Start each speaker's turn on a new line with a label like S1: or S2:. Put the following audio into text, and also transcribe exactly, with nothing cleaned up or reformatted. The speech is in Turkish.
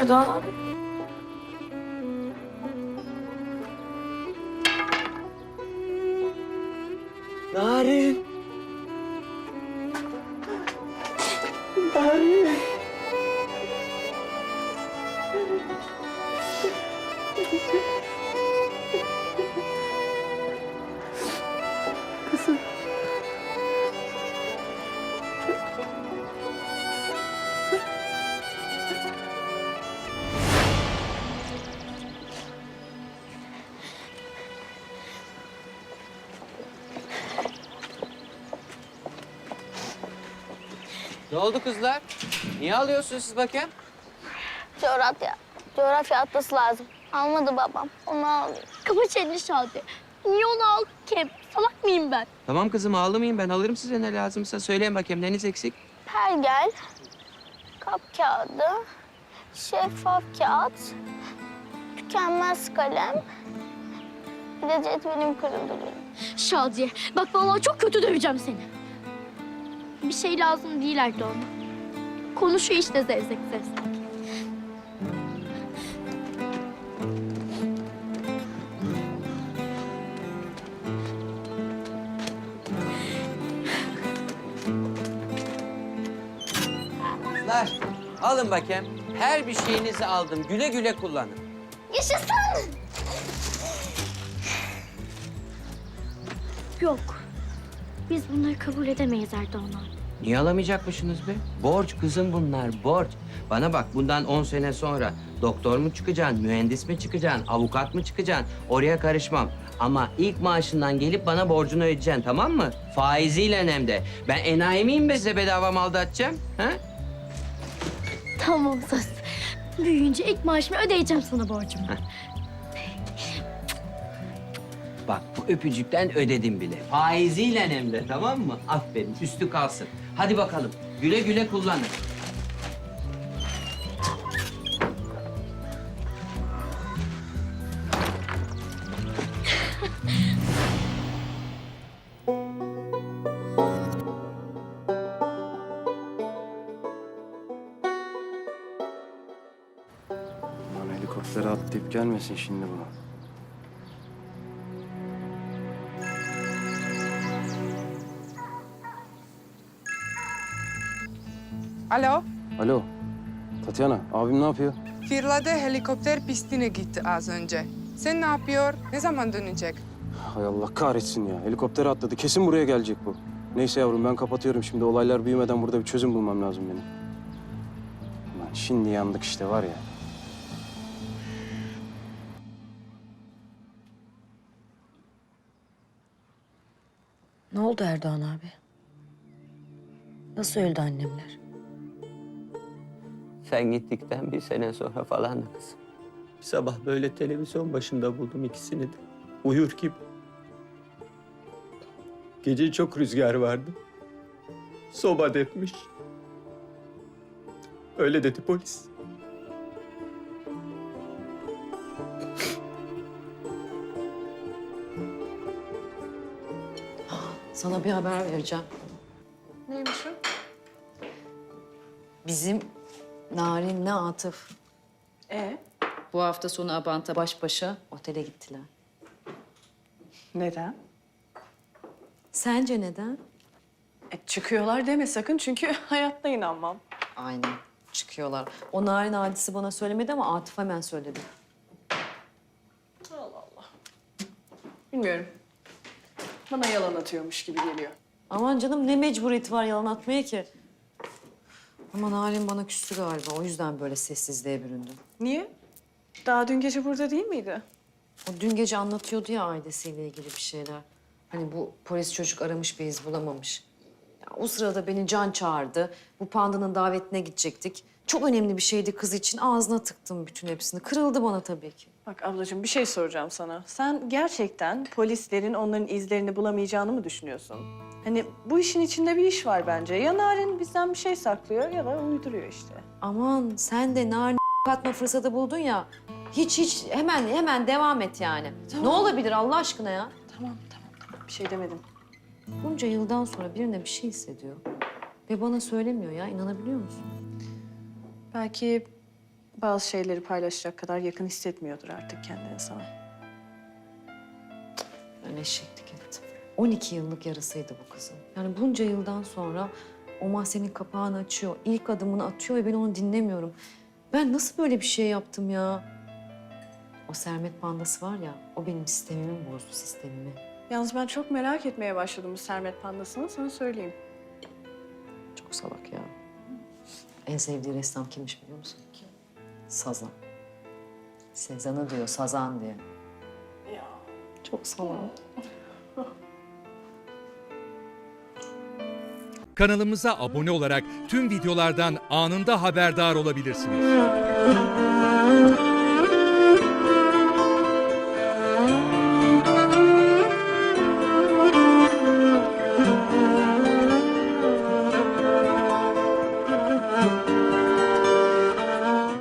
S1: Erdoğan abi?
S2: Narin. Narin. Kızım.
S3: Ne oldu kızlar? Niye alıyorsunuz siz bakayım?
S4: Coğrafya. Coğrafya atlası lazım. Almadı babam. Onu alıyor.
S5: Kapı çelli Şadi. Niye onu aldın ki? Salak mıyım ben?
S3: Tamam kızım ağlamayın, ben alırım size ne lazımsa. Söyleyin bakayım neniz eksik?
S4: Pergel, kap kağıdı, şeffaf kağıt, tükenmez kalem, bir de cetvelim kırıldı benim.
S5: Şadiye, bak vallahi çok kötü döveceğim seni. Bir şey lazım değil Erdoğan. Konuşuyor işte zevzek zevzek.
S3: Kızlar alın bakayım. Her bir şeyinizi aldım. Güle güle kullanın.
S4: Yaşasın!
S5: Yok. Biz bunları kabul edemeyiz Erdoğan abi.
S3: Niye alamayacakmışsınız be? Borç kızım bunlar, borç. Bana bak bundan on sene sonra doktor mu çıkacaksın, mühendis mi çıkacaksın, avukat mı çıkacaksın? Oraya karışmam. Ama ilk maaşından gelip bana borcunu ödeyeceksin, tamam mı? Faiziyle hem de. Ben enayi miyim be size bedava mal dağıtacağım? Ha?
S5: Tamam söz. Büyüyünce ilk maaşımı ödeyeceğim sana borcumu.
S3: Bak bu öpücükten ödedim bile. Faiziyle hem de, tamam mı? Aferin, üstü kalsın. Hadi bakalım, güle güle kullanın.
S2: Lan helikoptere atlayıp gelmesin şimdi bu.
S6: Alo,
S2: Alo. Tatyana, abim ne yapıyor?
S6: Firla'da helikopter pistine gitti az önce. Sen ne yapıyor? Ne zaman dönecek?
S2: Hay Allah kahretsin ya. Helikoptere atladı. Kesin buraya gelecek bu. Neyse yavrum ben kapatıyorum şimdi. Olaylar büyümeden burada bir çözüm bulmam lazım benim. Lan şimdi yandık işte var ya.
S1: Ne oldu Erdoğan abi? Nasıl öldü annemler?
S3: Sen gittikten bir sene sonra falan kızım. Bir sabah böyle televizyon başında buldum ikisini de. Uyur gibi. Gece çok rüzgar vardı. Soba depmiş. Öyle dedi polis.
S1: Sana bir haber vereceğim.
S6: Neymiş o?
S1: Bizim Narin'le Atıf
S7: E
S1: bu hafta sonu Abant'a baş başa otele gittiler.
S7: neden?
S1: Sence neden?
S7: E, çıkıyorlar deme sakın çünkü hayatta inanmam.
S1: Aynen çıkıyorlar. O Narin hadisi bana söylemedi ama Atıf hemen söyledi.
S7: Bilmiyorum. Bana yalan atıyormuş gibi geliyor.
S1: Aman canım ne mecburiyeti var yalan atmaya ki? Ama Narin bana küstü galiba. O yüzden böyle sessizliğe büründü.
S7: Niye? Daha dün gece burada değil miydi?
S1: O dün gece anlatıyordu ya ailesiyle ilgili bir şeyler. Hani bu polis çocuk aramış bir iz bulamamış. Ya, o sırada beni Can çağırdı. Bu pandanın davetine gidecektik. Çok önemli bir şeydi kız için. Ağzına tıktım bütün hepsini. Kırıldı bana tabii ki.
S7: Bak ablacığım bir şey soracağım sana. Sen gerçekten polislerin onların izlerini bulamayacağını mı düşünüyorsun? Hani bu işin içinde bir iş var bence. Ya Narin bizden bir şey saklıyor ya da uyduruyor işte.
S1: Aman sen de Narin katma fırsatı buldun ya. Hiç hiç hemen hemen devam et yani.
S7: Tamam.
S1: Ne olabilir Allah aşkına ya?
S7: Tamam tamam tamam bir şey demedim.
S1: Bunca yıldan sonra birine bir şey hissediyor. Ve bana söylemiyor ya. İnanabiliyor musun?
S7: Belki bazı şeyleri paylaşacak kadar yakın hissetmiyordur artık kendine sana.
S1: Ben eşeklik ettim. on iki yıllık yarısıydı bu kızın. Yani bunca yıldan sonra o mahzenin kapağını açıyor, ilk adımını atıyor ve ben onu dinlemiyorum. Ben nasıl böyle bir şey yaptım ya? O Sermet pandası var ya, o benim sistemimi bozdu, sistemimi.
S7: Yalnız ben çok merak etmeye başladım bu Sermet pandasını, sana söyleyeyim.
S1: Çok salak ya. En sevdiği ressam kimmiş biliyor musun? Kim? Sazan. Sezan'ı diyor, Sazan diye.
S7: Ya.
S1: Çok salak.
S8: Kanalımıza abone olarak tüm videolardan anında haberdar olabilirsiniz.